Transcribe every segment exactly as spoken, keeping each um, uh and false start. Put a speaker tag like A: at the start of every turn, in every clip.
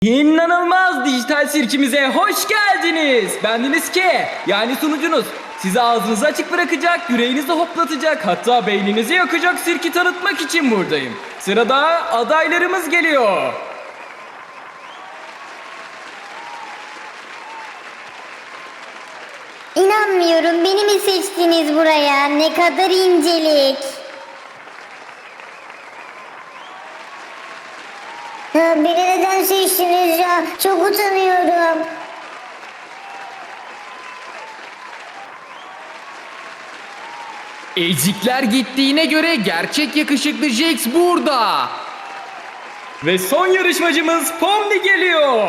A: İnanılmaz dijital sirkimize hoş geldiniz. Bendeniz K, yani sunucunuz. Sizi ağzınızı açık bırakacak, yüreğinizi hoplatacak, hatta beyninizi yakacak sirki tanıtmak için buradayım. Sırada adaylarımız geliyor.
B: İnanmıyorum, beni mi seçtiniz buraya? Ne kadar incelik.
C: Ya beni neden seçtiniz ya? Çok utanıyorum.
D: Ezikler gittiğine göre gerçek yakışıklı Jax burada.
A: Ve son yarışmacımız Pomni geliyor.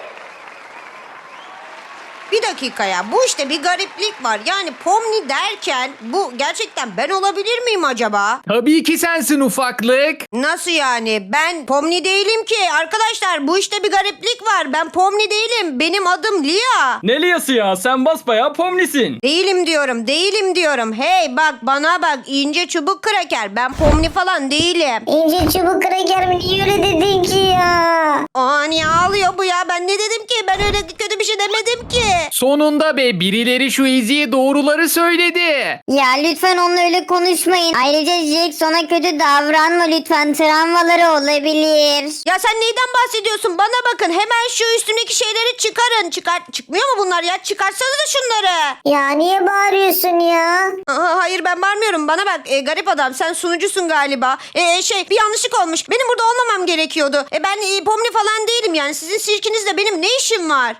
E: Bir dakika ya, bu işte bir gariplik var. Yani Pomni derken bu gerçekten ben olabilir miyim acaba?
D: Tabii ki sensin ufaklık.
E: Nasıl yani? Ben Pomni değilim ki. Arkadaşlar bu işte bir gariplik var. Ben Pomni değilim. Benim adım Lia.
A: Ne Lia'sı ya, sen basbayağı Pomni'sin.
E: Değilim diyorum, değilim diyorum. Hey bak, bana bak, ince çubuk kraker. Ben Pomni falan değilim.
C: İnce çubuk kraker mi? Niye öyle dedin ki ya?
E: Aa, niye ağlıyor bu ya? Ben ne dedim ki? Ben öyle kötü bir şey demedim ki.
D: Sonunda be, birileri şu Ezi'ye doğruları söyledi.
B: Ya lütfen onunla öyle konuşmayın. Ayrıca Jax, ona kötü davranma lütfen. Travmaları olabilir.
E: Ya sen neyden bahsediyorsun? Bana bakın, hemen şu üstündeki şeyleri çıkarın. Çıkar çıkmıyor mu bunlar ya? Çıkarsanıza şunları.
C: Ya niye bağırıyorsun ya?
E: Aa, hayır, ben bağırmıyorum. Bana bak e, garip adam, sen sunucusun galiba. E, şey bir yanlışlık olmuş. Benim burada olmamam gerekiyordu. E, ben e, Pomni falan değilim yani. Sizin sirkinizde benim ne işim var?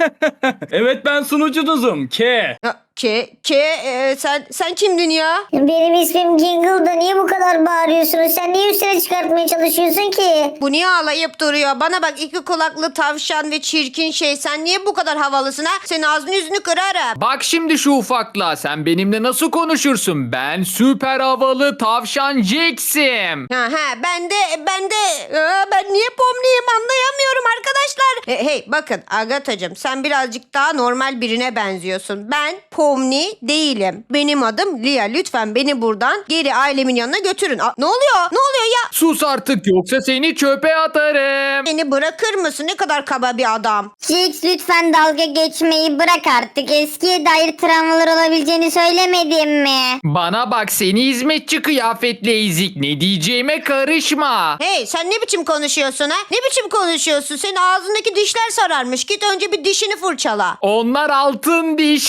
A: Evet, ben sunucunuzum K.
E: Ya, Ke, ke, e, sen sen kimdin ya?
C: Benim ismim Jingle'da. Niye bu kadar bağırıyorsunuz? Sen niye üstüne çıkartmaya çalışıyorsun ki?
E: Bu niye ağlayıp duruyor? Bana bak, iki kulaklı tavşan ve çirkin şey. Sen niye bu kadar havalısın ha? Senin ağzını yüzünü kırarım.
D: Bak şimdi şu ufakla, sen benimle nasıl konuşursun? Ben süper havalı tavşan Jax'im.
E: Ha ha, ben de ben de Aa, ben niye Pomni'yim anlayamıyorum arkadaşlar. E, hey bakın Agatacığım, sen birazcık daha normal birine benziyorsun. Ben Pomni değilim. Benim adım Lia. Lütfen beni buradan geri ailemin yanına götürün. Aa, ne oluyor? Ne oluyor ya?
D: Sus artık, yoksa seni çöpe atarım.
E: Beni bırakır mısın? Ne kadar kaba bir adam.
B: Jax, lütfen dalga geçmeyi bırak artık. Eskiye dair travmalar olabileceğini söylemedim mi?
D: Bana bak seni hizmetçi kıyafetli ezik, ne diyeceğime karışma.
E: Hey, sen ne biçim konuşuyorsun ha? Ne biçim konuşuyorsun? Senin ağzındaki dişler sararmış. Git önce bir dişini fırçala.
D: Onlar altın diş.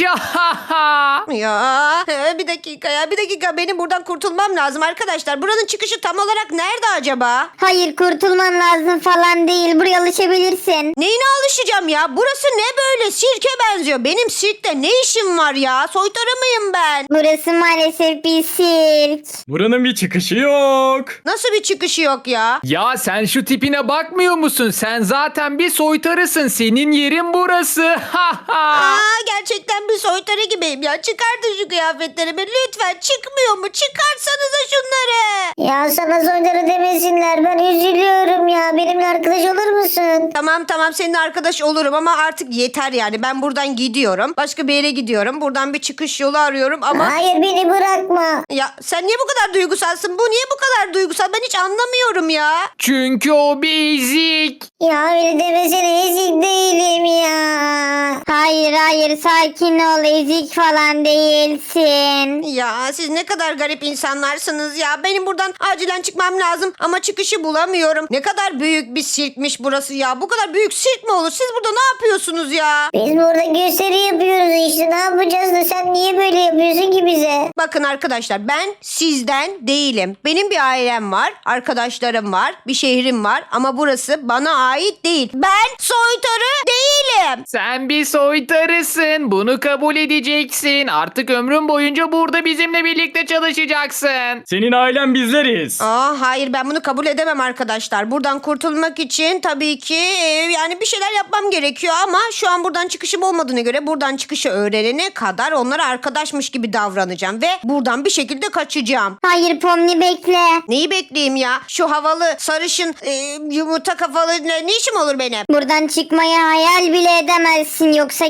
E: Ya bir dakika ya, bir dakika, benim buradan kurtulmam lazım arkadaşlar. Buranın çıkışı tam olarak nerede acaba?
B: Hayır, kurtulman lazım falan değil. Buraya alışabilirsin.
E: Neyine alışacağım ya? Burası ne böyle? Sirke benziyor. Benim sirkte ne işim var ya? Soytarı mıyım ben?
B: Burası maalesef bir sirk.
A: Buranın bir çıkışı yok.
E: Nasıl bir çıkışı yok ya?
D: Ya sen şu tipine bakmıyor musun? Sen zaten bir soytarısın. Senin yerin burası.
E: Aa, gerçekten bir soytarı gibiyim ya. Çıkartın şu kıyafetlerimi lütfen. Çıkmıyor mu? Çıkarsanıza şunları.
C: Ya sana soytarı demesinler. Ben üzülüyorum ya. Benimle arkadaş olur musun?
E: Tamam tamam, seninle arkadaş olurum ama artık yeter yani. Ben buradan gidiyorum. Başka bir yere gidiyorum. Buradan bir çıkış yolu arıyorum ama...
C: Hayır, beni bırakma.
E: Ya sen niye bu kadar duygusalsın? Bu niye bu kadar duygusal? Ben hiç anlamıyorum ya.
D: Çünkü o bir ezik.
C: Ya öyle demesene, ezik değilim ya.
B: Hayır hayır, sakin ol, ezik falan değilsin.
E: Ya siz ne kadar garip insanlarsınız ya. Benim buradan acilen çıkmam lazım ama çıkışı bulamıyorum. Ne kadar büyük bir sirkmiş burası ya. Bu kadar büyük sirk mi olur? Siz burada ne yapıyorsunuz ya?
C: Biz burada gösteri yapıyoruz işte. Ne yapacağız da sen niye böyle yapıyorsun ki bize?
E: Bakın arkadaşlar, ben sizden değilim. Benim bir ailem var, arkadaşlarım var, bir şehrim var ama burası bana ait değil. Ben soytarı değilim.
D: Sen bir soytarısın. Bunu kabul edeceksin. Artık ömrün boyunca burada bizimle birlikte çalışacaksın.
A: Senin ailen bizleriz.
E: Aa, hayır, ben bunu kabul edemem arkadaşlar. Buradan kurtulmak için tabii ki e, yani bir şeyler yapmam gerekiyor ama şu an buradan çıkışım olmadığına göre buradan çıkışı öğrenene kadar onlara arkadaşmış gibi davranacağım ve buradan bir şekilde kaçacağım.
B: Hayır Pomni, bekle.
E: Neyi bekleyeyim ya? Şu havalı sarışın e, yumurta kafalı ne, ne işim olur benim?
B: Buradan çıkmayı hayal bile edemezsin, yoksa Kane'le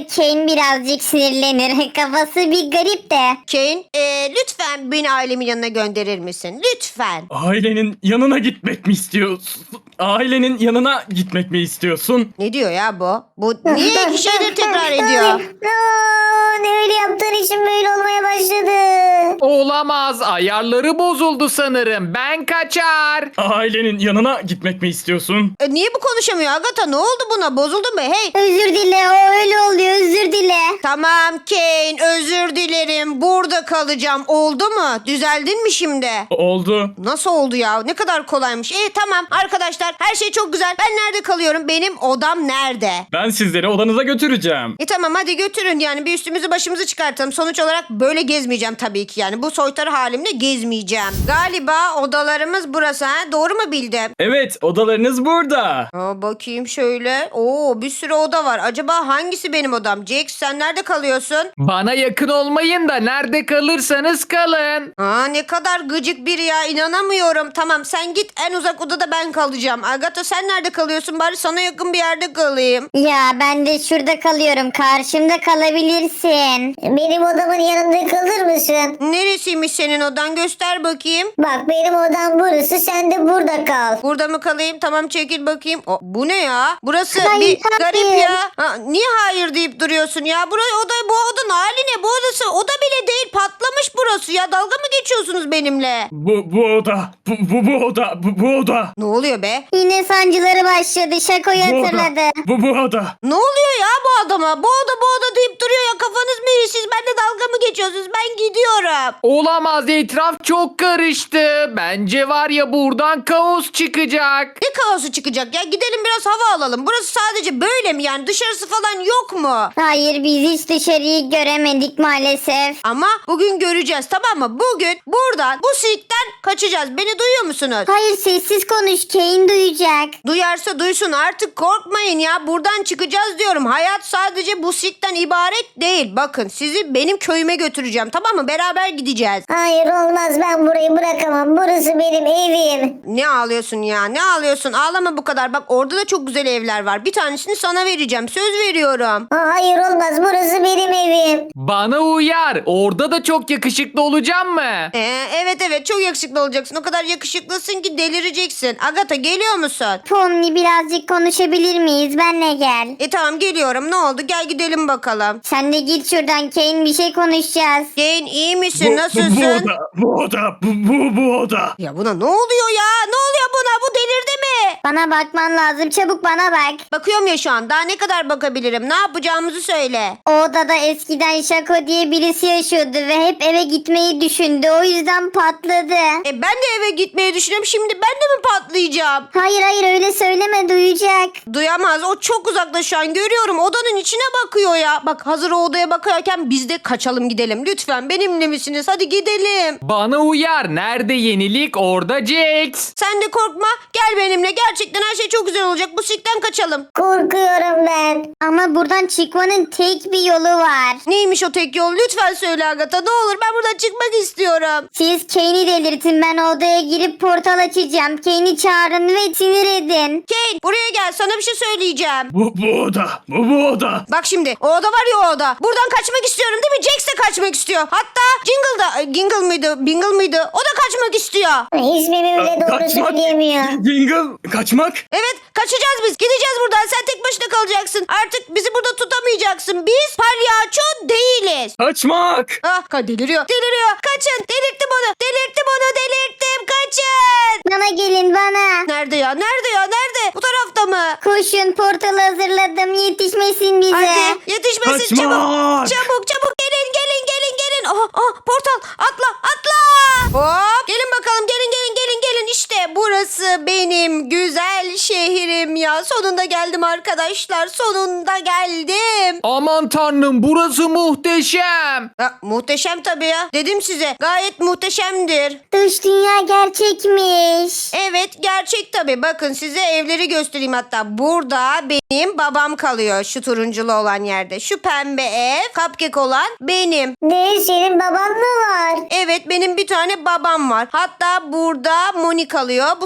B: Bazen birazcık sinirlenir. Kafası bir garip de.
E: Kane e, lütfen beni ailemin yanına gönderir misin? Lütfen.
A: Ailenin yanına gitmek mi istiyorsun? Ailenin yanına gitmek mi istiyorsun?
E: Ne diyor ya bu? Bu niye iki şeyleri tekrar ediyor?
C: Aa, ne öyle yaptığın için böyle olmaya başladı.
D: Olamaz. Ayarları bozuldu sanırım. Ben kaçar.
A: Ailenin yanına gitmek mi istiyorsun?
E: E, niye bu konuşamıyor Agatha? Ne oldu buna? Bozuldu mu? Hey.
B: Özür dile, o öyle oluyor, özür dile.
E: Tamam Kane, özür dilerim. Burada kalacağım. Oldu mu? Düzeldin mi şimdi?
A: Oldu.
E: Nasıl oldu ya? Ne kadar kolaymış. İyi tamam arkadaşlar, her şey çok güzel. Ben nerede kalıyorum? Benim odam nerede?
A: Ben sizleri odanıza götüreceğim.
E: E tamam hadi götürün, yani bir üstümüzü başımızı çıkartalım. Sonuç olarak böyle gezmeyeceğim tabii ki, yani bu soytarı halimle gezmeyeceğim. Galiba odalarımız burası, ha? Doğru mu bildim?
A: Evet, odalarınız burada.
E: Aa, bakayım şöyle. Oo, bir sürü oda var. Acaba hangisi benim odam? Jax, sen nerede kalıyorsun?
D: Bana yakın olmayın da nerede kalırsanız kalın.
E: Aa, ne kadar gıcık biri ya, inanamıyorum. Tamam sen git, en uzak odada ben kalacağım. Agatha sen nerede kalıyorsun? Bari sana yakın bir yerde kalayım.
B: Ya ben de şurada kalıyorum. Karşımda kalabilirsin.
C: Benim odamın yanında kalır mısın?
E: Neresiymiş senin odan? Göster bakayım.
C: Bak benim odam burası, sen de burada kal.
E: Burada mı kalayım? Tamam çekil bakayım. O, bu ne ya? Burası
B: Hayır,
E: bir
B: hayır.
E: garip ya. Ha, niye hayır deyip duruyorsun ya? Burayı oda, bu odanın hali ne? Bu odası oda bile değil, patlamış burası ya. Dalga mı geçiyorsunuz benimle?
A: Bu, bu oda. Bu, bu, bu oda. Bu, bu oda.
E: Ne oluyor be?
B: Yine sancıları başladı. Şakoyu
A: Bu oda.
B: hatırladı.
A: Bu, bu oda.
E: Ne oluyor ya bu adama? Bu oda bu oda deyip duruyor ya. Kafanız mı iyi? Siz benimle dalga mı geçiyorsunuz? Ben gidiyorum.
D: Olamaz, etraf çok karıştı. Bence var ya buradan kaos çıkacak.
E: Ne kaosu çıkacak ya? Gidelim biraz hava alalım. Burası sadece böyle mi yani? Dışarısı falan yok mu?
B: Hayır, biz hiç dışarıyı göremedik maalesef.
E: Ama bugün göreceğiz, tamam mı? Bugün buradan bu sirkten kaçacağız. Beni duyuyor musunuz?
B: Hayır, sessiz konuş. Kane duyacak.
E: Duyarsa duysun, artık korkmayın ya. Buradan çıkacağız diyorum. Hayat sadece bu sirkten ibaret değil. Bakın sizi benim köyüme götüreceğim, tamam mı? Beraber gideceğiz.
C: Hayır olmaz, ben burayı bırakamam. Burası benim evim.
E: Ne ağlıyorsun ya? Ne ağlıyorsun? Ağlama bu kadar. Bak orada da çok güzel evler var. Bir tanesini sana vereceğim. Söz veriyorum.
C: Aa, hayır olmaz, burası benim evim.
D: Bana uyar. Orada da çok yakışıklı olacağım mı?
E: Ee, evet evet çok yakışıklı olacaksın. O kadar yakışıklısın ki delireceksin. Agatha geliyor musun?
B: Pomni, birazcık konuşabilir miyiz? Benle gel.
E: E tamam geliyorum. Ne oldu? Gel gidelim bakalım.
B: Sen de git şuradan Kane, bir şey konuşacağız.
E: Jane iyi misin?
A: Bu, bu,
E: Nasılsın?
A: bu oda. Bu oda. Bu, bu, bu oda.
E: Ya buna ne oluyor ya? Ne oluyor buna? Bu delirdi mi?
B: Bana bakman lazım, çabuk bana bak.
E: Bakıyorum ya şu an. Daha ne kadar bakabilirim? Ne yapacağımızı söyle.
B: O odada eskiden Şako diye birisi yaşıyordu ve hep eve gitmeyi düşündü. O yüzden patladı.
E: E ben de eve gitmeyi düşünüyorum. Şimdi ben de mi patlayacağım?
B: Hayır hayır, öyle söyleme, duyacak.
E: Duyamaz. O çok uzakta şu an. Görüyorum. Odanın içine bakıyor ya. Bak hazır o odaya bakarken biz de kaçalım gidelim. Lütfen benimle misiniz? Hadi gidelim.
D: Bana uyar. Nerede yenilik orada Jax.
E: Sen de korkma. Gel benimle. Gerçekten her şey çok güzel olacak. Bu sirkten kaçalım.
C: Korkuyorum ben.
B: Ama buradan çıkmanın tek bir yolu var.
E: Neymiş o tek yol? Lütfen söyle Agatha. Ne olur ben buradan çıkmak istiyorum.
B: Siz Kane'i delirtin, ben odaya girip portal açacağım. Kane'i çağırın ve sinir edin.
E: Kane buraya gel. Sana bir şey söyleyeceğim.
A: Bu, bu oda. Bu, bu oda.
E: Bak şimdi o oda var ya, o oda. Buradan kaçmak istiyorum değil mi? Jax de kaçmak istiyor. Hatta Jingle da e, Gingle mıydı? Bingle mıydı? O da kaçmak istiyor.
C: İsmimi bile doğru söyleyemiyor.
A: Jingle. Kaçmak.
E: Evet kaçacağız biz. Gideceğiz buradan. Sen tek başına kalacaksın. Artık bizi burada tutamayacaksın. Biz palyaço değiliz.
A: Kaçmak.
E: Ah ka- deliriyor. Deliriyor. Kaçın. Delirttim onu. Delirttim onu. Delirttim. Kaçın.
B: Bana gelin, bana.
E: Nerede ya? Nerede ya? Nerede? Bu tarafta mı?
B: Koşun, portalı hazırladım, yetişmesin bize.
E: Hadi yetişmesin,
A: Kaçmak.
E: çabuk. Çabuk çabuk gelin gelin gelin gelin. Aha, aha, portal atla atla. Hop gelin bakalım, gelin gelin gelin gelin. İşte burası benim güzel şehrim ya. Sonunda geldim arkadaşlar. Sonunda geldim.
D: Aman tanrım, burası muhteşem.
E: Ha, muhteşem tabii ya. Dedim size gayet muhteşemdir.
B: Dış dünya gerçekmiş.
E: Evet gerçek tabii. Bakın size evleri göstereyim hatta. Burada benim babam kalıyor. Şu turunculu olan yerde. Şu pembe ev, cupcake olan benim.
C: Ne, senin baban mı var?
E: Evet benim bir tane babam var. Hatta burada Moni kalıyor. Bu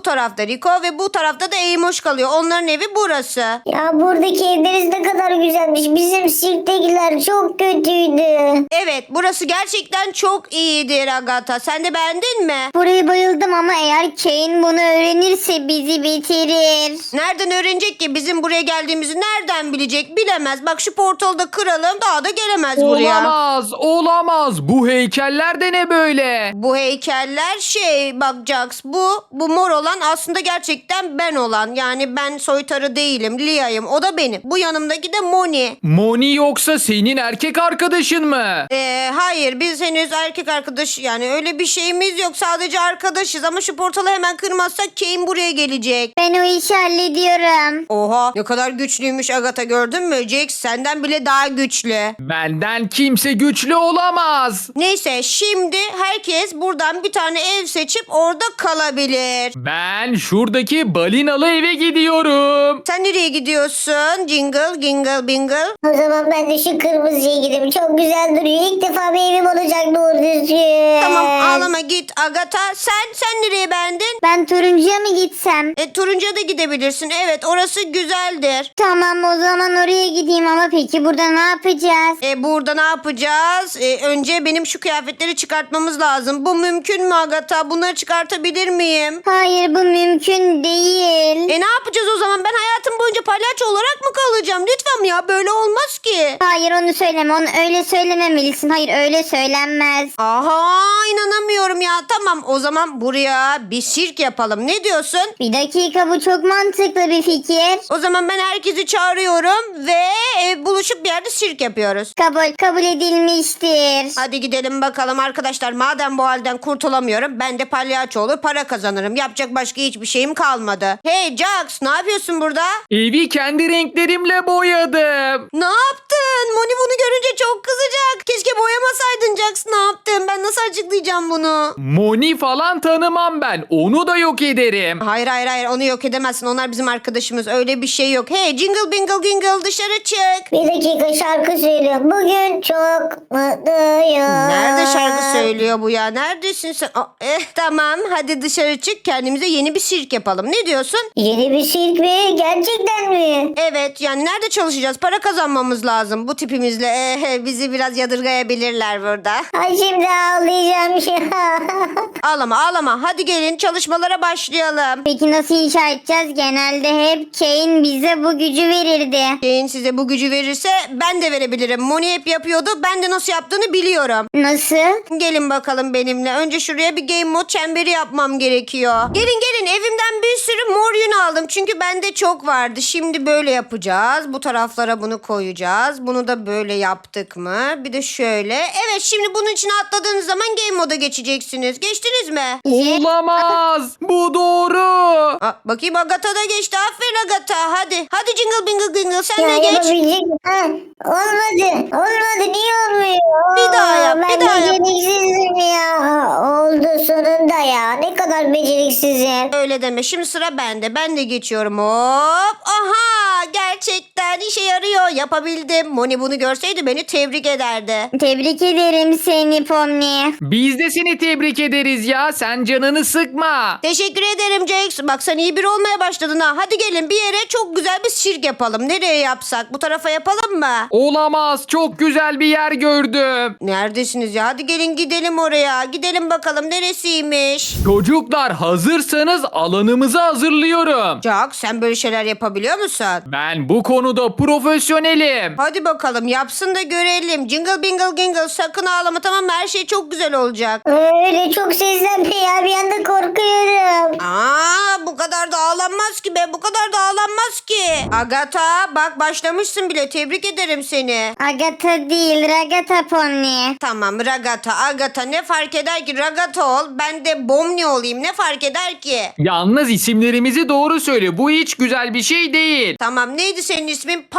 E: tarafta Rico ve bu tarafta da Eymoş kalıyor. Onların evi burası.
C: Ya buradaki evleriniz ne kadar güzelmiş. Bizim sirktekiler çok kötüydü.
E: Evet, burası gerçekten çok iyidir Agatha. Sen de beğendin mi?
B: Buraya bayıldım ama eğer Kane bunu öğrenirse bizi bitirir.
E: Nereden öğrenecek ki? Bizim buraya geldiğimizi nereden bilecek? Bilemez. Bak şu portalı da kıralım. Daha da gelemez buraya.
D: Olamaz, olamaz. Bu heykeller de ne böyle?
E: Bu heykeller şey bak Jax, bu bu mor olan aslında gerçekten ben olan. Yani ben soytarı değilim, Lia'yım. O da benim. Bu yanımdaki de Moni.
D: Moni yoksa senin erkek arkadaşın mı?
E: Ee, hayır biz henüz erkek arkadaş yani öyle bir şeyimiz yok. Sadece arkadaşız ama şu portalı hemen kırmazsak Kane buraya gelecek.
B: Ben o işi hallediyorum.
E: Oha ne kadar güçlüymüş Agatha, gördün mü? Jax senden bile daha güçlü.
D: Benden kimse güçlü olamaz.
E: Neyse şimdi herkes buradan bir tane ev seçip orada kalabilir.
D: Ben şuradaki balinalı eve gidiyorum.
E: Sen nereye gidiyorsun? Jingle, jingle, bingle.
C: O zaman ben de şu kırmızıya gideyim. Çok güzel duruyor. İlk defa bir evim olacak doğru düzgün.
E: Tamam ağlama git Agatha. Sen sen nereye beğendin?
B: Ben turuncuya mı gitsem?
E: E, turuncuya da gidebilirsin. Evet orası güzeldir.
B: Tamam o zaman oraya gideyim ama peki burada ne yapacağız?
E: E, burada ne yapacağız? E, önce benim şu kıyafetleri çıkartmamız lazım. Bu mümkün mü Agatha? Bunları çıkartabilir miyim?
B: Hayır bu mümkün değil.
E: E ne yapacağız o zaman? Ben hayatım boyunca palyaço olarak mı kalacağım? Lütfen ya böyle olmaz ki.
B: Hayır onu söyleme onu öyle söylememelisin. Hayır öyle söylenmez.
E: Aha inanamıyorum ya. Tamam o zaman buraya bir sirk yapalım. Ne diyorsun?
B: Bir dakika bu çok mantıklı bir fikir.
E: O zaman ben herkesi çağırıyorum ve e, buluşup bir yerde sirk yapıyoruz.
B: Kabul kabul edilmiştir.
E: Hadi gidelim bakalım arkadaşlar. Madem bu halden kurtulamıyorum ben de palyaço olur para kazanırım. Yapacak başka hiçbir şeyim kalmadı. Hey Jax ne yapıyorsun burada?
D: Evi kendi renklerimle boyadım.
E: Ne yaptın? Moni bunu görünce çok kızacak. Keşke boyamasaydın Jax. Ne yaptın? Ben nasıl açıklayacağım bunu?
D: Moni falan tanımam ben. Onu da yok ederim.
E: Hayır hayır hayır onu yok edemezsin. Onlar bizim arkadaşımız. Öyle bir şey yok. Hey jingle bingle jingle dışarı çık.
C: Bir dakika şarkı söylüyor. Bugün çok mutluyum.
E: Nerede şarkı söylüyor bu ya? Neredesin sen? Aa, eh, tamam hadi dışarı çık. Kendimize yeni bir sirk yapalım. Ne diyorsun?
C: Yeni bir sirk mi? Gerçekten mi?
E: Evet yani nerede çalışacağız? Para kazanmamız lazım. Bu tipimizle eh, bizi biraz yadırgayabilirler burada.
C: Ay şimdi ağlayacağım şu an.
E: Ağlama ağlama. Hadi gelin çalışmalara başlayalım.
B: Peki nasıl inşa edeceğiz? Genelde hep Kane bize bu gücü verirdi.
E: Jane size bu gücü verirse ben de verebilirim. Moni hep yapıyordu. Ben de nasıl yaptığını biliyorum.
B: Nasıl?
E: Gelin bakalım benimle. Önce şuraya bir game mode çemberi yapmam gerekiyor. Gelin gelin evimden bir sürü mor yün aldım. Çünkü bende çok vardı. Şimdi böyle yapacağız. Bu taraflara bunu koyacağız. Bunu da böyle yaptık mı? Bir de şöyle. Evet şimdi bunun içine atladığınız zaman game mode'a geçeceksiniz. Geçtiniz mi?
D: Olamaz. Bu doğru.
E: Aa, bakayım Agatha da geçti. Aferin Agatha. Hadi. Hadi jingle bingle jingle sen
C: Ya
E: de geç.
C: yapabilecek mi? Ha, olmadı. Olmadı. Niye olmuyor?
E: Bir daha yap,
C: Ben
E: bir daha yap.
C: beceriksizim ya. Oldu sonunda ya. Ne kadar beceriksizim.
E: Öyle deme. Şimdi sıra bende. Ben de geçiyorum. Hop. Aha. Gerçekten işe yarıyor. Yapabildim. Moni bunu görseydi beni tebrik ederdi.
B: Tebrik ederim seni Pomni.
D: Biz de seni tebrik ederiz ya. Sen canını sıkma.
E: Teşekkür ederim Jax. Bak sen iyi biri olmaya başladın ha. Hadi gelin bir yere çok güzel bir sirk yapalım. Nereye yapsak? Bu tarafa yapalım mı?
D: Olamaz. Çok güzel bir yer gördüm.
E: Neredesiniz ya? Hadi gelin gidelim oraya. Gidelim bakalım neresiymiş?
D: Çocuklar hazırsanız alanımızı hazırlıyorum.
E: Jax sen böyle şeyler yapabiliyor musun?
D: Ben bu konuda profesyonelim.
E: Hadi bakalım yapsın da görelim. Jingle bingle jingle sakın ağlama tamam mı? Her şey çok güzel olacak.
C: Öyle çok seslenme ya. Bir anda korkuyorum.
E: Aa bu kadar da ağlanmaz ki be. Bu kadar da ağlanmaz ki. Agatha bak başlamışsın bile. Tebrik ederim seni.
B: Agatha değil Ragata Pomni.
E: Tamam Ragata, Agatha ne fark eder ki? Ragata ol. Ben de Bomni olayım. Ne fark eder ki?
D: Yalnız isimlerimizi doğru söyle. Bu hiç güzel bir şey değil.
E: Tamam neydi senin ismin? Pax mıydı?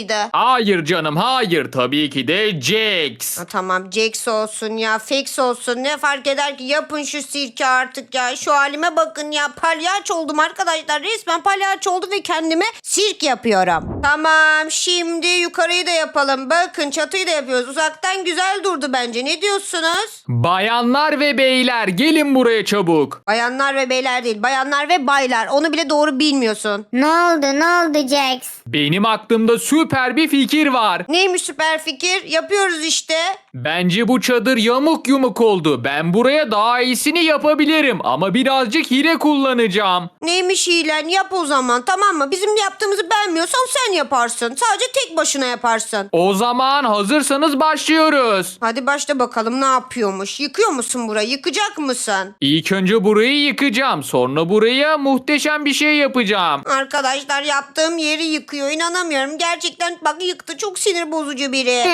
E: mıydı?
D: Hayır canım hayır. Tabii ki de Jax.
E: Ha, tamam Jax olsun ya Fex olsun ne fark eder ki yapın şu sirki artık ya şu halime bakın ya palyaço oldum arkadaşlar resmen palyaço oldum ve kendime sirk yapıyorum. Tamam şimdi yukarıyı da yapalım bakın çatıyı da yapıyoruz uzaktan güzel durdu bence ne diyorsunuz?
D: Bayanlar ve beyler gelin buraya çabuk.
E: Bayanlar ve beyler değil bayanlar ve baylar onu bile doğru bilmiyorsun.
B: Ne oldu ne oldu Jax?
D: Benim aklımda süper bir fikir var.
E: Neymiş süper fikir yapıyoruz işte.
D: Bence bu çadır yamuk yumuk oldu. Ben buraya daha iyisini yapabilirim ama birazcık hile kullanacağım.
E: Neymiş hilen yap o zaman tamam mı? Bizim yaptığımızı beğenmiyorsan sen yaparsın. Sadece tek başına yaparsın.
D: O zaman hazırsanız başlıyoruz.
E: Hadi başla bakalım ne yapıyormuş? Yıkıyor musun burayı? Yıkacak mısın?
D: İlk önce burayı yıkacağım. Sonra buraya muhteşem bir şey yapacağım.
E: Arkadaşlar yaptığım yeri yıkıyor. İnanamıyorum. Gerçekten bak yıktı. Çok sinir bozucu biri.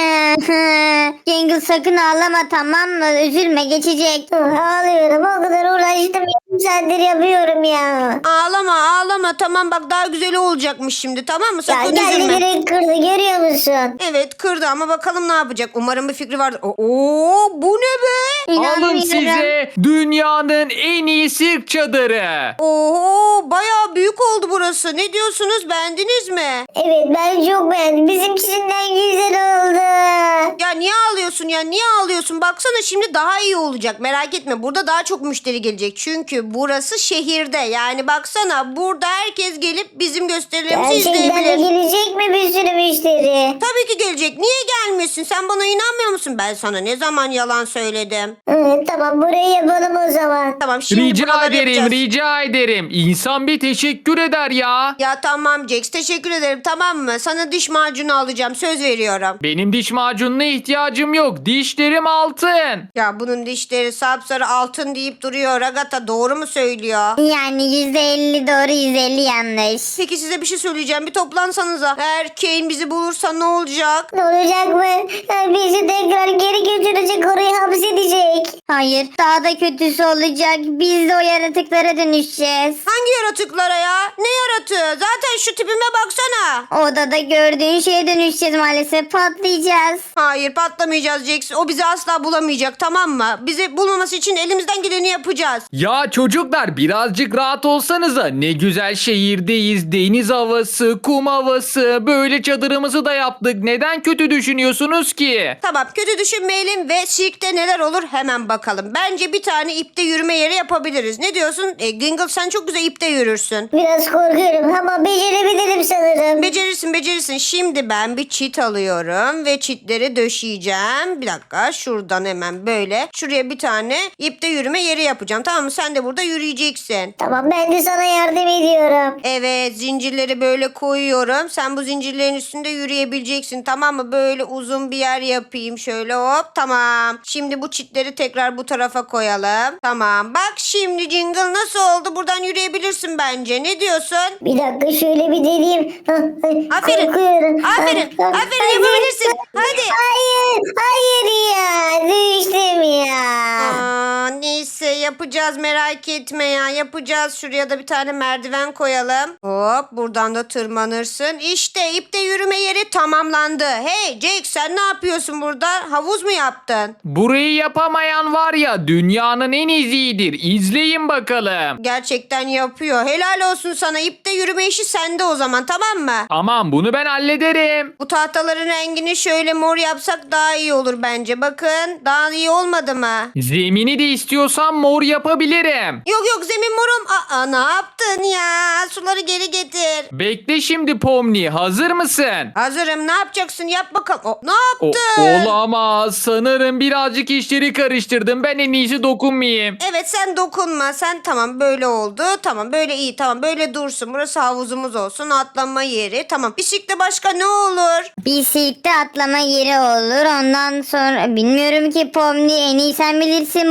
B: Jingle sakın ağlama tamam mı? Üzülme geçecek.
C: Ağlıyorum o kadar uğraştım. Yarım saattir yapıyorum ya.
E: Ağlama ağlama. Tamam bak daha güzeli olacakmış şimdi. Tamam mı?
C: Ya
E: Sakın
C: geldi
E: üzülme.
C: direkt kırdı görüyor musun?
E: Evet kırdı ama bakalım ne yapacak. Umarım bir fikri vardır. Oo bu ne be?
D: Alın
B: İnanmıyorum.
D: size dünyanın en iyi sirk çadırı.
E: Oo bayağı büyük oldu burası. Ne diyorsunuz? Beğendiniz mi?
C: Evet ben çok beğendim. Bizimkisinden güzel oldu.
E: Ya niye ağlıyorsun ya? Niye ağlıyorsun? Baksana şimdi daha iyi olacak. Merak etme. Burada daha çok müşteri gelecek. Çünkü burası şehirde. Yani baksana burada herkes gelip bizim gösterilerimizi
C: Gerçekten de
E: izleyebilir.
C: gelecek mi bir sürü müşteri?
E: Tabii ki gelecek. Niye gelmiyorsun? Sen bana inanmıyor musun? Ben sana ne zaman yalan söyledim?
C: Evet tamam burayı yapalım o zaman.
E: Tamam şimdi
D: Rica
E: buraları
D: ederim,
E: yapacağız.
D: rica ederim. İnsan bir teşekkür eder ya.
E: Ya tamam Jax teşekkür ederim tamam mı? Sana diş macunu alacağım söz veriyorum.
D: Benim diş macununa ihtiyacım yok. Dişlerim altın.
E: Ya bunun dişleri sapsarı altın deyip duruyor. Ragata doğru mu söylüyor?
B: Yani yüzde elli doğru yüzde elli yanlış.
E: Peki size bir şey söyleyeceğim. Bir toplansanıza. Eğer Kane bizi bulursa ne olacak?
C: Ne olacak mı? Ha, bizi tekrar geri götürecek oraya hapsedecek.
B: Hayır daha da kötüsü olacak. Biz de o yaratıklara dönüşeceğiz.
E: Hangi yaratıklara ya? Ne yaratığı? Zaten şu tipime baksana.
B: Odada gördüğün şeye dönüşeceğiz maalesef patlayacağız.
E: Hayır patlamayacağız Jax. O bizi asla bulamayacak tamam mı? Bizi bulmaması için elimizden geleni yapacağız.
D: Ya çocuklar birazcık rahat olsanıza. Ne güzel şehirdeyiz. Deniz havası, kum havası. Böyle çadırımızı da yaptık. Neden kötü düşünüyorsunuz ki?
E: Tamam kötü düşünmeyelim ve sirkte neler olur hemen bakalım. Bence bir tane ipte yürüme yeri yapabiliriz. Ne diyorsun? E, Gingle sen çok güzel ipte yürürsün.
C: Biraz korkuyorum ama becerebilirim sanırım.
E: Becerirsin becerirsin. Şimdi ben bir çit alıyorum ve çitleri döşeyeceğim. Bir dakika şuradan hemen böyle. Şuraya bir tane ipte yürüme yeri yapacağım. Tamam mı? Sen de burada yürüyeceksin.
C: Tamam ben de sana yardım ediyorum.
E: Evet zincirleri böyle koyuyorum. Sen bu zincirlerin üstünde yürüyebileceksin. Tamam mı? Böyle uzun bir yer yapayım. Şöyle hop tamam. Şimdi bu çitleri tekrar bu tarafa koyalım. Tamam. Bak şimdi Jingle nasıl oldu? Buradan yürüyebilirsin bence. Ne diyorsun?
C: Bir dakika şöyle bir deneyeyim.
E: Aferin.
C: Korkuyorum.
E: Aferin.
C: Ah, ah,
E: Aferin
C: hadi.
E: yapabilirsin. Hadi.
C: Hayır. Hayır ya. Düştüm ya.
E: Aa, neyse yapacağız merak etme ya yapacağız. Şuraya da bir tane merdiven koyalım. Hop buradan da tırmanırsın. İşte ipte yürüme yeri tamamlandı. Hey Jake sen ne yapıyorsun burada? Havuz mu yaptın?
D: Burayı yapamayan var ya dünyanın en izidir. İzleyin bakalım.
E: Gerçekten yapıyor. Helal olsun sana. İpte yürüme işi sende o zaman tamam mı?
D: Tamam bunu ben hallederim.
E: Bu tahtaların rengini şöyle mor yapsak daha iyi olur bence. Bakın daha iyi olmadı mı?
D: Zemini de istiyorsan mor yapabilirim.
E: Yok yok zemin morum. Aa ne yaptın ya? Suları geri getir.
D: Bekle şimdi Pomni, hazır mısın?
E: Hazırım. Ne yapacaksın? Yap bakalım. O, ne
D: O,
E: yaptın?
D: olamaz. Sanırım birazcık işleri karıştırdım. Ben en iyisi dokunmayayım.
E: Evet sen dokunma. Sen tamam böyle oldu. Tamam böyle iyi. Tamam böyle dursun. Burası havuzumuz olsun. Atlama yeri. Tamam. Bisikle başka ne olur?
B: Bisikte atlama yeri olur. Ondan sonra bilmiyorum ki Pomni en iyi sen bilirsin bunu.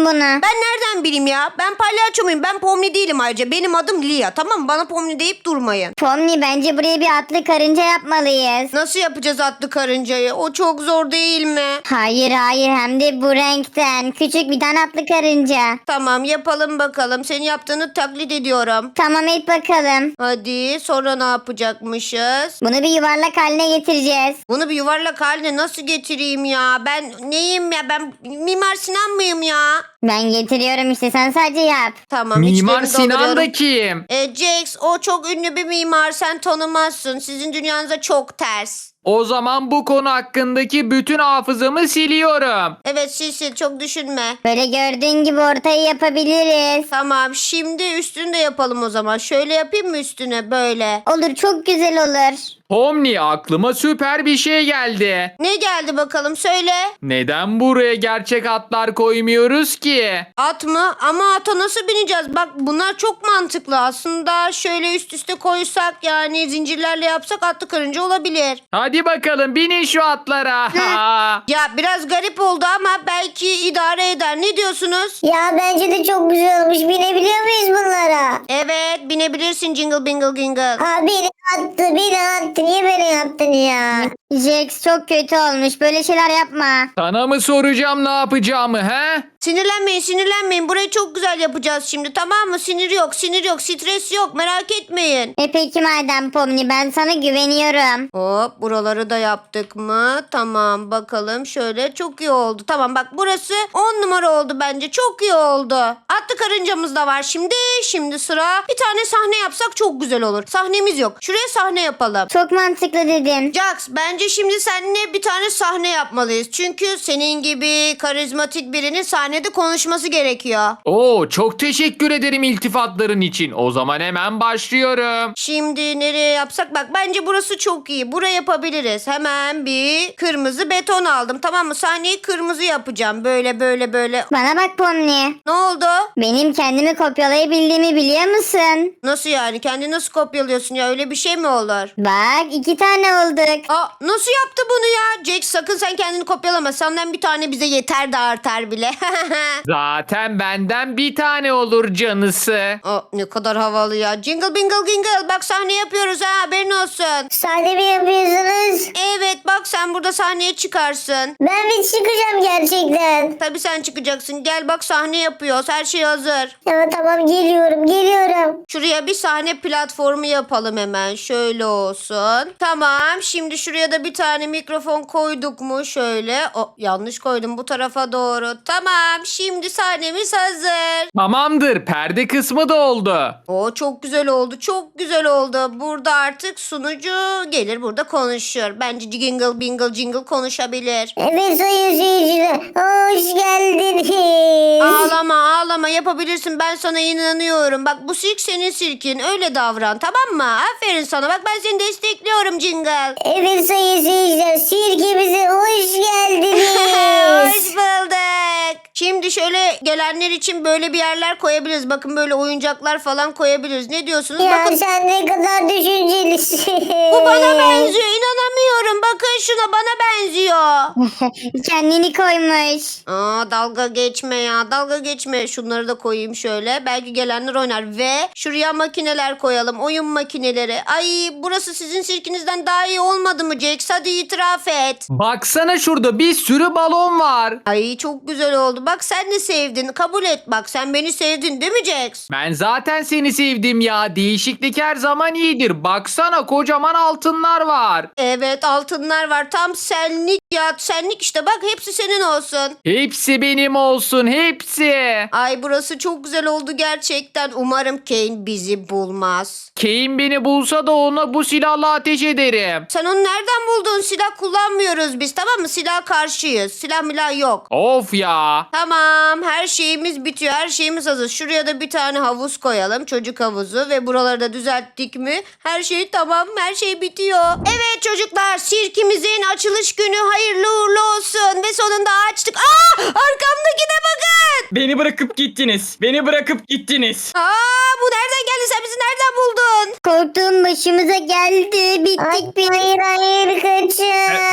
E: Ben nereden bileyim ya? Ben palyaço muyum? Ben Pomni değilim ayrıca. Benim adım Lia, tamam mı? Bana Pomni deyip durmayın.
B: Pomni bence buraya bir atlı karınca yapmalıyız.
E: Nasıl yapacağız atlı karıncayı? O çok zor değil mi?
B: Hayır hayır, hem de bu renkten. Küçük bir tane atlı karınca.
E: Tamam, yapalım bakalım. Senin yaptığını taklit ediyorum.
B: Tamam, et bakalım.
E: Hadi, sonra ne yapacakmışız?
B: Bunu bir yuvarlak haline getireceğiz.
E: Bunu bir yuvarlak haline nasıl getireyim ya? Ben neyim ya? Ben Mimar Sinan mıyım ya?
B: Ben getiriyorum işte, sen sadece yap.
E: Tamam.
D: Mimar
E: içlerini
D: Sinan
E: dolduruyorum.
D: da kim?
E: E, Jax, o çok ünlü bir mimar. Sen tanımazsın. Sizin dünyanıza çok ters.
D: O zaman bu konu hakkındaki bütün hafızamı siliyorum.
E: Evet, sil sil, çok düşünme.
B: Böyle gördüğün gibi ortayı yapabiliriz.
E: Tamam, şimdi üstünü de yapalım o zaman. Şöyle yapayım mı üstüne, böyle?
B: Olur, çok güzel olur.
D: Pomni, aklıma süper bir şey geldi.
E: Ne geldi bakalım, söyle.
D: Neden buraya gerçek atlar koymuyoruz ki?
E: At mı? Ama ata nasıl bineceğiz? Bak, bunlar çok mantıklı. Aslında şöyle üst üste koysak, yani zincirlerle yapsak atlı karınca olabilir.
D: Hadi bakalım binin şu atlara.
E: Ya biraz garip oldu ama belki idare eder. Ne diyorsunuz?
C: Ya bence de çok güzel olmuş. Binebiliyor muyuz bunlara?
E: Evet, binebilirsin Jingle Bingle Jingle.
C: Aa, beni attı, beni attı. Niye beni attın ya?
B: Jax, çok kötü olmuş. Böyle şeyler yapma.
D: Sana mı soracağım ne yapacağımı he?
E: Sinirlenmeyin, sinirlenmeyin. Burayı çok güzel yapacağız şimdi, tamam mı? Sinir yok, sinir yok, stres yok. Merak etmeyin.
B: E peki madem Pomni, ben sana güveniyorum.
E: Hop, buraları da yaptık mı? Tamam, bakalım şöyle, çok iyi oldu. Tamam, bak burası on numara oldu bence. Çok iyi oldu. Atlı karıncamız da var şimdi. Şimdi sıra, bir tane sahne yapsak çok güzel olur. Sahnemiz yok. Şuraya sahne yapalım.
B: Çok mantıklı dedin.
E: Jax, bence şimdi seninle bir tane sahne yapmalıyız. Çünkü senin gibi karizmatik birinin sahnede konuşması gerekiyor.
D: Oo, çok teşekkür ederim iltifatların için. O zaman hemen başlıyorum.
E: Şimdi nereye yapsak? Bak, bence burası çok iyi. Buraya yapabiliriz. Hemen bir kırmızı beton aldım. Tamam mı? Sahneyi kırmızı yapacağım. Böyle böyle böyle.
B: Bana bak Pomni.
E: Ne oldu?
B: Benim kendimi kopyalayabildiğimi biliyor musun?
E: Nasıl yani? Kendini nasıl kopyalıyorsun ya? Öyle bir şey mi olur?
B: Bak, iki tane olduk.
E: Aa, nasıl yaptı bunu ya? Jax, sakın sen kendini kopyalama. Senden bir tane bize yeter de artar bile.
D: Zaten benden bir tane olur canısı.
E: Aa, ne kadar havalı ya. Jingle bingle jingle. Bak, sahne yapıyoruz ha, haberin olsun.
C: Sahne mi yapıyorsunuz?
E: Evet, bak sen burada sahneye çıkarsın.
C: Ben mi çıkacağım gerçekten?
E: Tabii sen çıkacaksın. Gel bak, sahne yapıyoruz. Her şey hazır.
C: Ya tamam, geliyorum, geliyorum.
E: Şuraya bir sahne platformu yapalım hemen. Şöyle olsun. Tamam. Şimdi şuraya da bir tane mikrofon koyduk mu? Şöyle. O, yanlış koydum, bu tarafa doğru. Tamam. Şimdi sahnemiz hazır.
D: Tamamdır, perde kısmı da oldu.
E: O çok güzel oldu. Çok güzel oldu. Burada artık sunucu gelir, burada konuşur. Bence jingle bingle jingle konuşabilir.
C: Evet sayın seyirciler, hoş geldiniz.
E: Ağlama ağlama, yapabilirsin, ben sana inanıyorum. Bak, bu sirk senin sirkin, öyle davran, tamam mı? Aferin sana, bak ben seni destekliyorum Jingle.
C: Evet sayın seyirciler, sirkimize hoş geldiniz.
E: Hoş bulduk. Şimdi şöyle gelenler için böyle bir yerler koyabiliriz. Bakın, böyle oyuncaklar falan koyabiliriz. Ne diyorsunuz?
C: Ya
E: Bakın,
C: sen ne kadar düşüncelisin.
E: bu bana benziyor, inanamıyorum. Bakın şuna, bana benziyor.
B: Kendini koymuş.
E: Aa, dalga geçme ya, dalga geçme. Şunları da koyayım şöyle, belki gelenler oynar. Ve şuraya makineler koyalım, oyun makineleri. Ay, burası sizin sirkinizden daha iyi olmadı mı Jax? Hadi itiraf et.
D: Baksana, şurada bir sürü balon var.
E: Ay, çok güzel oldu. Bak, sen de sevdin, kabul et. Bak, sen beni sevdin değil mi Jax?
D: Ben zaten seni sevdim ya. Değişiklik her zaman iyidir. Baksana, kocaman altınlar var.
E: Evet, altınlar var, tam senlik ya, senlik işte. Bak, hepsi senin olsun.
D: Hepsi benim olsun, hepsi.
E: Ay, burası çok güzel oldu gerçekten. Umarım Kane bizi bulmaz.
D: Kane beni bulsa da ona bu silahla ateş ederim.
E: Sen onu nereden buldun? Silah kullanmıyoruz biz, tamam mı? Silah karşıyız. Silah milah yok.
D: Of ya.
E: Tamam, her şeyimiz bitiyor, her şeyimiz hazır. Şuraya da bir tane havuz koyalım, çocuk havuzu, ve buraları da düzelttik mi her şey tamam, her şey bitiyor. Evet çocuklar, sirkimizin açılış günü hayırlı uğurlu olsun ve sonunda açtık. Aa, arkamdakine bakın.
A: Beni bırakıp gittiniz. Beni bırakıp gittiniz.
E: Aa, bu nereden geldi, sen bizi nereden buldun?
B: Korktuğum başımıza geldi.
C: Ay,
B: Bittik biz.
C: hayır hayır, kaçın.
A: Ben, ben- ben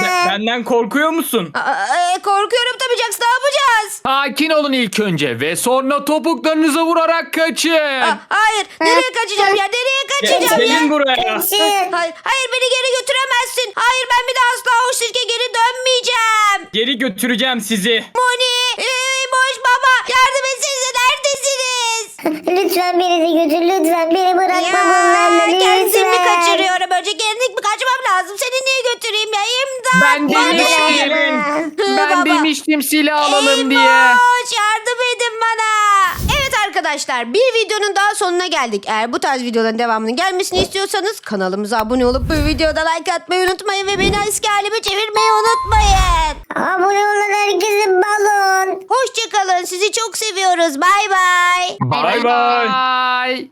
A: Benden korkuyor musun?
E: Aa, e, korkuyorum tabii Jax, ne yapacağız?
D: Sakin olun ilk önce ve sonra topuklarınızı vurarak kaçın.
E: Aa, hayır, nereye kaçacağım ya? Nereye kaçacağım ya?
A: Gelin buraya.
C: Kaçın.
E: Hayır, hayır beni geri götüremezsin. Hayır, ben bir daha asla o sirke geri dönmeyeceğim.
A: Geri götüreceğim sizi.
E: Moni, e, boş baba, yardım etsenize, neredesiniz?
C: Lütfen beni de götür lütfen. Beni bırakma bunlarla lütfen.
E: kendimi kaçırıyorum. Önce kendim mi kaçmam lazım? Seni niye götüreyim ya? İmdat.
D: Ben demiştim.
E: Hı,
D: Ben
E: baba.
D: demiştim silah alalım diye.
E: Eymoş, yardım edin bana. Evet arkadaşlar, bir videonun daha sonuna geldik. Eğer bu tarz videoların devamının gelmesini istiyorsanız kanalımıza abone olup bu videoda like atmayı unutmayın ve beni eski halime çevirmeyi unutmayın.
C: Abone olan herkese balon.
E: Hoşçakalın, sizi çok seviyoruz. Bay bay.
A: Bay bay.
D: Bye.